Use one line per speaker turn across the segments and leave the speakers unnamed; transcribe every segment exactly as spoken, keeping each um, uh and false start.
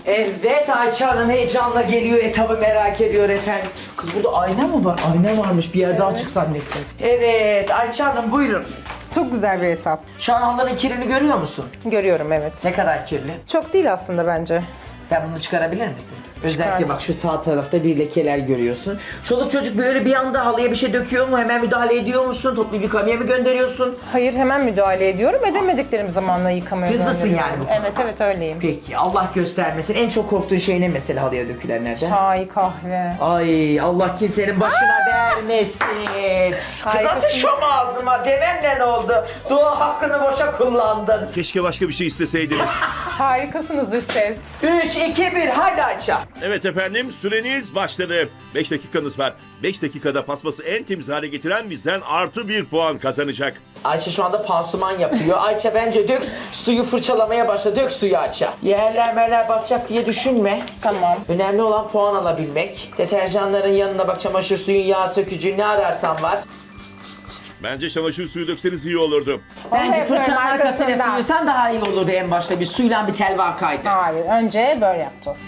Evet, Ayça Hanım heyecanla geliyor, etabı merak ediyor efendim. Kız burada ayna mı var? Ayna varmış, bir yerde açık zannettim. Evet, Ayça Hanım buyurun.
Çok güzel bir etap.
Şu an halının kirini görüyor musun?
Görüyorum, evet.
Ne kadar kirli?
Çok değil aslında bence.
Sen bunu çıkarabilir misin? Özellikle
Çıkardım.
bak şu sağ tarafta bir lekeler görüyorsun. Çoluk çocuk böyle bir anda halıya bir şey döküyor mu? Hemen müdahale ediyor musun? Toplu yıkamaya mı gönderiyorsun?
Hayır, hemen müdahale ediyorum. Edemediklerim zamanla yıkamaya
Hızlısın
gönderiyorum.
yani bu konuda.
Evet, evet öyleyim.
Peki, Allah göstermesin. En çok korktuğun şey ne mesela halıya dökülenlerden?
Çay, kahve.
Ay, Allah kimsenin başına vermesin. Kız nasıl
Harikasınız.
şom ağzıma? Demenle ne oldu? Dua hakkını boşa kullandın.
Keşke başka bir şey isteseydiniz.
Harikasınız dış ses.
üç, iki, bir, hadi Ayça.
Evet efendim, süreniz başladı. beş dakikanız var. beş dakikada paspası en temiz hale getiren bizden artı bir puan kazanacak.
Ayça şu anda pansuman yapıyor. Ayça bence dök, suyu fırçalamaya başla. Dök suyu Ayça. Yerler merler batacak diye düşünme.
Tamam.
Önemli olan puan alabilmek. Deterjanların yanına bak, çamaşır suyun, yağ sökücü, ne ararsan var.
Bence çamaşır suyu dökseniz iyi olurdu.
Bence
Evet,
fırçanın
evet,
arkasına
arkasından.
sıyırsan daha iyi olurdu en başta. Bir suyla bir tel vakaydı.
Hayır, önce böyle yapacağız.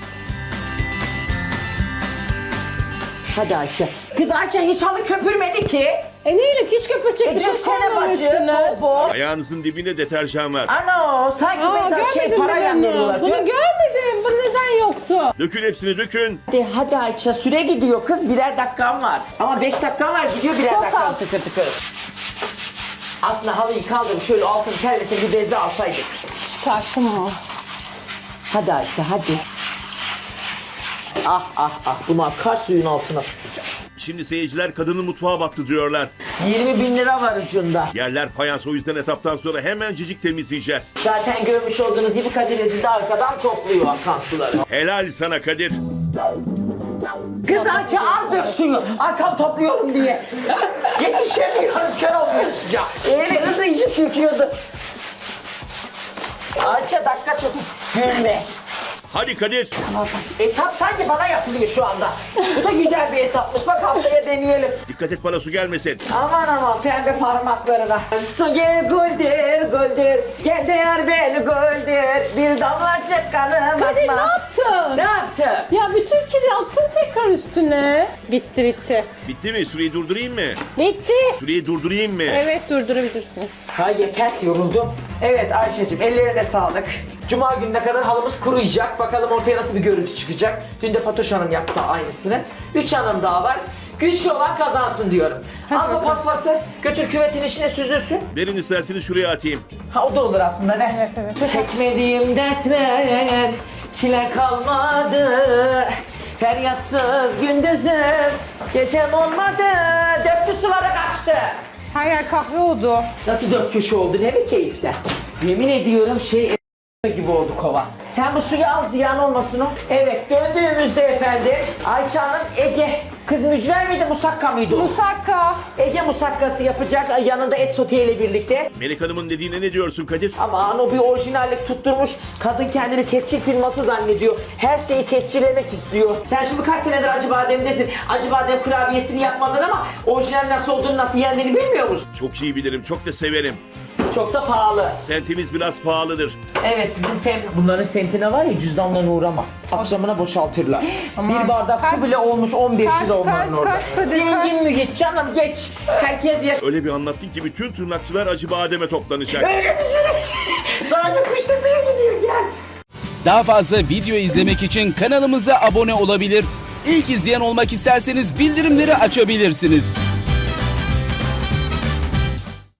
Hadi Ayça. Kız Ayça hiç halı köpürmedi ki.
E neyle hiç köpürecek
E
bir şey
döksene bacı.
koymamışsınız.
Bol.
Ayağınızın dibinde deterjan var.
Ano sanki
Aa,
ben şey
görmedim
parayla
ben
veriyorlar.
bunu. Bunu
Dök.
görmedim. Bu neden yoktu?
Dökün hepsini dökün.
Hadi, hadi Ayça, süre gidiyor kız, birer dakikan var. Ama beş dakikan var, gidiyor birer
Çok
dakikan
az.
tıkır tıkır. Aslında halıyı kaldırıp şöyle altını terlese bir bezle alsaydık.
Çıkarttım mı?
Hadi Ayça hadi. Ah ah ah, bunu akar suyun altına tutacağız.
Şimdi seyirciler kadının mutfağa battı diyorlar.
yirmi bin lira var ucunda.
Yerler fayans, o yüzden etaptan sonra hemen cicik temizleyeceğiz.
Zaten görmüş olduğunuz gibi Kadir Ezil de arkadan topluyor akan suları.
Helal sana Kadir.
Kız Ayça az dök suyu. Arkam topluyorum diye. Yetişemiyorum, kör olmayınca. Eli hızlı incik döküyordu. Ayça dakika çok. Gülme.
Hadi Kadir.
Etap sanki bana yapılıyor şu anda. Bu da güzel bir etapmış. Bak haftaya deneyelim.
Dikkat et bana su gelmesin.
Aman aman pembe parmaklarına. Su gel güldür güldür. Gel değer beni güldür. Bir damlacık kanım
Kadir ne
akmaz.
yaptın?
Ne yaptın?
Ya bütün kiri attım tekrar üstüne. Bitti bitti.
Bitti mi? Süreyi durdurayım mı?
Bitti.
Süreyi durdurayım mı?
Evet durdurabilirsiniz.
Ha yeter, yoruldum. Evet Ayşe'cim, ellerine sağlık. Cuma gününe kadar halımız kuruyacak. Bakalım ortaya nasıl bir görüntü çıkacak. Dün de Fatoş Hanım yaptı aynısını. Üç hanım daha var. Güçlü olan kazansın diyorum. Al bu
bakalım.
paspası, götür küvetin içine süzülsün.
Verin isterseniz şuraya atayım.
Ha o da olur aslında, ver.
Evet, evet.
Çekmediğim dersler, çile kalmadı. Feryatsız gündüzüm, gecem olmadı. Döktü sulara kaçtı.
Her yer kahve oldu.
Nasıl dört köşe oldu, ne bir keyiften. Yemin ediyorum şey gibi oldu kova. Sen bu suyu al, ziyan olmasın o. Evet, döndüğümüzde efendim Ayça Hanım Ege, kız mücver miydi, musakka mıydı o?
Musakka.
Ege musakkası yapacak, yanında et sote ile birlikte.
Melek Hanım'ın dediğine ne diyorsun Kadir?
Aman o bir orijinallik tutturmuş. Kadın kendini tescil firması zannediyor. Her şeyi tescillemek istiyor. Sen şimdi kaç senedir Acıbadem'desin. Acıbadem kurabiyesini yapmadın ama orijinal nasıl olduğunu, nasıl yendiğini bilmiyor musun?
Çok iyi bilirim, çok da severim.
Çok da pahalı.
Sentimiz biraz pahalıdır.
Evet, sizin sem bunların semtine var ya, cüzdanlarına uğrama. Akşamına boşaltırlar.
Aman,
Bir bardak
kaç?
su bile olmuş on beş
Kaç,
lira onların
kaç,
orada.
kaç Kadir,
Zengin
kaç?
mi git canım, geç. Herkes yaş...
Öyle bir anlattın ki bütün tırnakçılar Acıbadem'e toplanacak.
Öyle bir şey. Sana kuşturmaya gidiyor, gel.
Daha fazla video izlemek için kanalımıza abone olabilir. İlk izleyen olmak isterseniz bildirimleri açabilirsiniz.